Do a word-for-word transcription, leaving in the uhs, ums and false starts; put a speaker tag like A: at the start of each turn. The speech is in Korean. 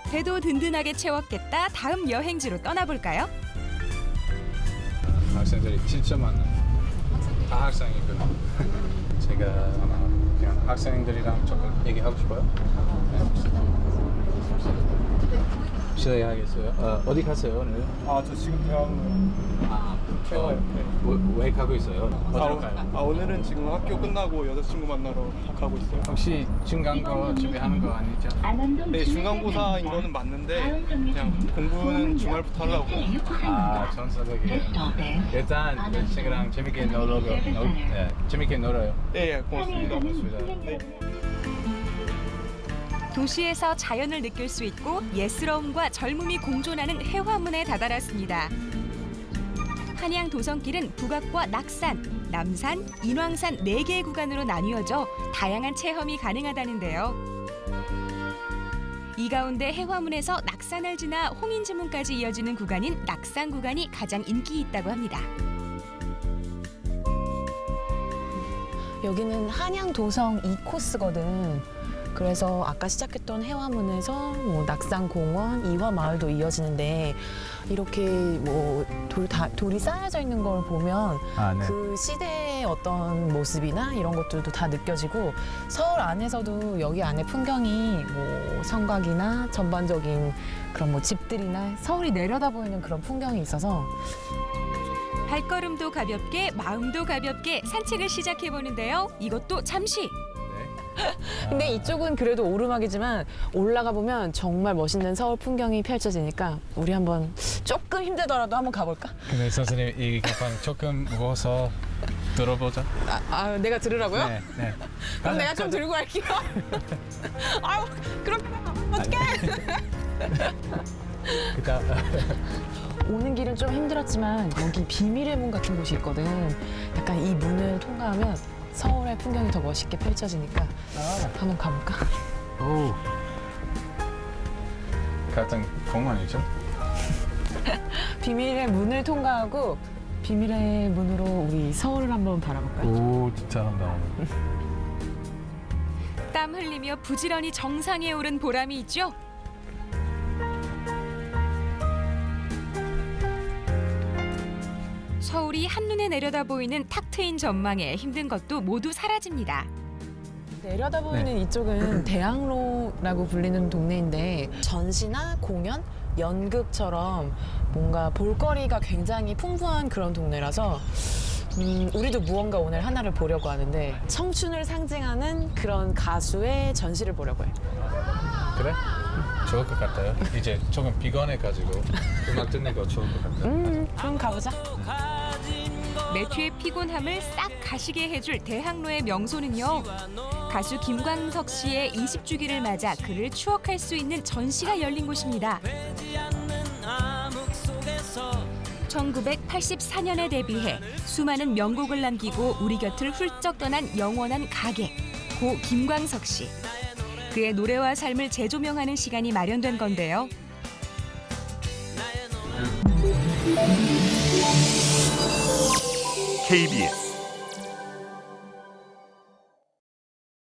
A: 배도 든든하게 채웠겠다. 다음 여행지로 떠나볼까요?
B: 학생들이 진짜 많아요. 다 학생이구나. 제가 아마 그냥 학생들이랑 조금 얘기하고 싶어요. 네. 실례하겠어요. 어, 어디 가세요 오늘?
C: 아, 저 지금 대학로.
B: 아,
C: 어, 네.
B: 왜, 왜 가고 있어요? 어디로
C: 아,
B: 가요?
C: 아, 오늘은 지금 학교 끝나고 여자친구 만나러 가고 있어요.
B: 혹시 중간고 준비하는 거 아니죠?
C: 네, 중간고사인 거는 맞는데 그냥 공부는 주말부터 하려고.
B: 아, 전사적이에요. 일단 친구랑 재밌게 놀러, 놀, 네, 재밌게 놀아요.
C: 네, 예, 고맙습니다.
B: 고맙습니다.
C: 네.
A: 도시에서 자연을 느낄 수 있고 예스러움과 젊음이 공존하는 해화문에 다다랐습니다. 한양 도성길은 북악과 낙산, 남산, 인왕산 네 개의 구간으로 나뉘어져 다양한 체험이 가능하다는데요. 이 가운데 해화문에서 낙산을 지나 홍인지문까지 이어지는 구간인 낙산 구간이 가장 인기 있다고 합니다.
D: 여기는 한양 도성 이 코스거든. 그래서 아까 시작했던 해화문에서 뭐 낙산공원, 이화마을도 이어지는데 이렇게 뭐 돌, 다, 돌이 쌓여져 있는 걸 보면
B: 아, 네.
D: 그 시대의 어떤 모습이나 이런 것들도 다 느껴지고 서울 안에서도 여기 안에 풍경이 뭐 성곽이나 전반적인 그런 뭐 집들이나 서울이 내려다 보이는 그런 풍경이 있어서
A: 발걸음도 가볍게 마음도 가볍게 산책을 시작해 보는데요. 이것도 잠시.
D: 근데 이쪽은 그래도 오르막이지만 올라가 보면 정말 멋있는 서울 풍경이 펼쳐지니까 우리 한번 조금 힘들더라도 한번 가볼까?
B: 근데 선생님 이 가방 조금 무거워서 들어보자.
D: 아, 아 내가 들으라고요?
B: 네, 네.
D: 그럼 내가 좀 들고 갈게요. 아유 그렇게 하면 어떡해?
B: 그다
D: 오는 길은 좀 힘들었지만 여기 비밀의 문 같은 곳이 있거든. 약간 이 문을 통과하면 서울의 풍경이 더 멋있게 펼쳐지니까 한번 가볼까?
B: 오. 같은 공원이죠?
D: 비밀의 문을 통과하고 비밀의 문으로 우리 서울을 한번 바라볼까요?
B: 오, 잘한다.
A: 땀 흘리며 부지런히 정상에 오른 보람이 있죠. 서울이 한눈에 내려다 보이는 탁 트인 전망에 힘든 것도 모두 사라집니다.
D: 내려다 보이는 이쪽은 대학로라고 불리는 동네인데 전시나 공연, 연극처럼 뭔가 볼거리가 굉장히 풍부한 그런 동네라서 음, 우리도 무언가 오늘 하나를 보려고 하는데 청춘을 상징하는 그런 가수의 전시를 보려고 해.
B: 그래? 좋을 것 같아요. 이제 조금 피곤해가지고 음악 듣는 거 좋을 것 같아요.
D: 음, 그럼 가보자.
A: 매튜의 피곤함을 싹 가시게 해줄 대학로의 명소는요. 가수 김광석 씨의 이십 주기를 맞아 그를 추억할 수 있는 전시가 열린 곳입니다. 천구백팔십사 년에 데뷔해 수많은 명곡을 남기고 우리 곁을 훌쩍 떠난 영원한 가객, 고 김광석 씨. 그의 노래와 삶을 재조명하는 시간이 마련된 건데요.
E: 케이비에스